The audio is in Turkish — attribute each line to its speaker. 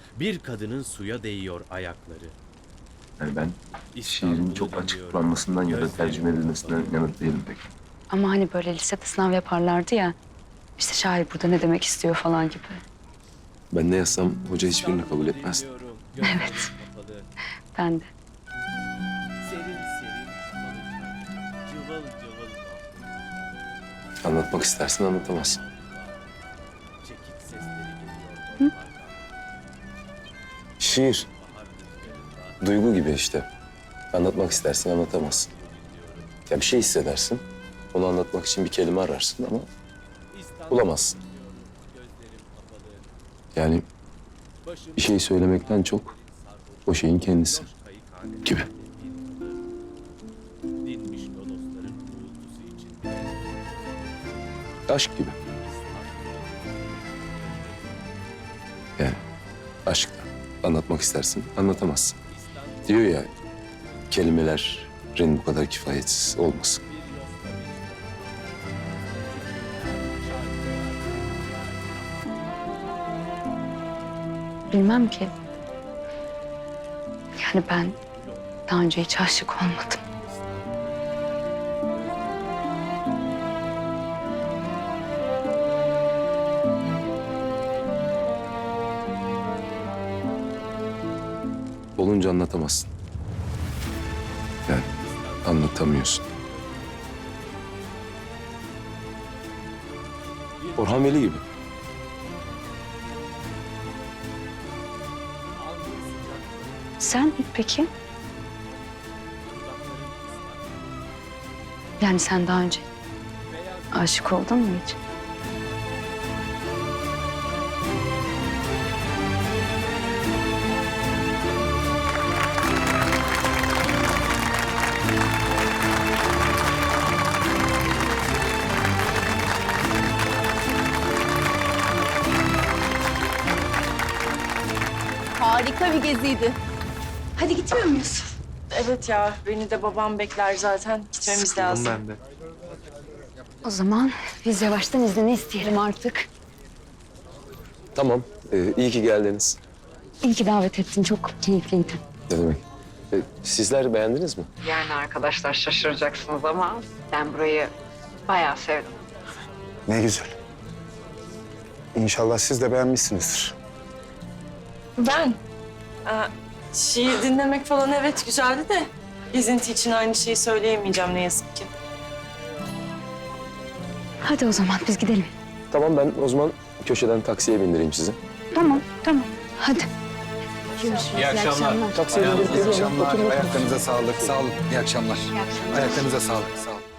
Speaker 1: Bir kadının suya değiyor ayakları.
Speaker 2: Yani ben şiirin çok açıklanmasından ya da tercüme edilmesinden yana değilim pek.
Speaker 3: Ama hani böyle lisede sınav yaparlardı ya. İşte şair burada ne demek istiyor falan gibi.
Speaker 4: Ben ne yazsam hoca hiçbirini kabul etmez.
Speaker 3: Evet. Ben de.
Speaker 1: Serin serin cıvıl cıvıl
Speaker 4: Anlatmak istersin, anlatamazsın.
Speaker 1: çekik sesleri geliyor.
Speaker 4: Şiir, duygu gibi işte. Anlatmak istersin, anlatamazsın. Ya bir şey hissedersin, onu anlatmak için bir kelime ararsın ama bulamazsın. Yani bir şey söylemekten çok o şeyin kendisi gibi.
Speaker 1: Dinmiş lodosların uğultusu içinde.
Speaker 4: Aşk gibi. Yani aşkla anlatmak istersin, anlatamazsın. Diyor ya, kelimelerin bu kadar kifayetsiz olmasın.
Speaker 3: Bilmem ki. Yani ben daha önce hiç aşık olmadım.
Speaker 4: Olunca anlatamazsın. Yani anlatamıyorsun. Orhan Veli gibi.
Speaker 3: Sen peki? Yani sen daha önce aşık oldun mu hiç?
Speaker 5: Harika bir geziydi.
Speaker 6: Hadi gitmiyor muyuz?
Speaker 5: Evet ya, beni de babam bekler zaten. Gitmemiz lazım.
Speaker 3: O zaman biz yavaştan izni isteyelim artık.
Speaker 4: Tamam, iyi ki geldiniz.
Speaker 3: İyi ki davet ettin. Çok keyifliydi.
Speaker 4: Ne demek? Sizler beğendiniz mi?
Speaker 7: Yani arkadaşlar şaşıracaksınız ama ben burayı bayağı sevdim.
Speaker 8: Ne güzel. İnşallah siz de beğenmişsinizdir.
Speaker 5: Ben? Şiir dinlemek falan evet güzeldi de... ...gezinti için aynı şeyi söyleyemeyeceğim ne yazık ki.
Speaker 3: Hadi o zaman biz gidelim.
Speaker 4: Tamam, ben o zaman köşeden taksiye bindireyim sizi.
Speaker 3: Tamam, tamam. Hadi. Görüşürüz.
Speaker 9: İyi akşamlar.
Speaker 4: Taksiye bindirip
Speaker 8: İyi
Speaker 4: geliyorum.
Speaker 8: akşamlar.
Speaker 4: Oturun.
Speaker 8: Ayaklarınıza sağlık. Sağ olun. İyi akşamlar.
Speaker 3: İyi akşamlar.
Speaker 8: Ayaklarınıza sağlık. Sağ olun.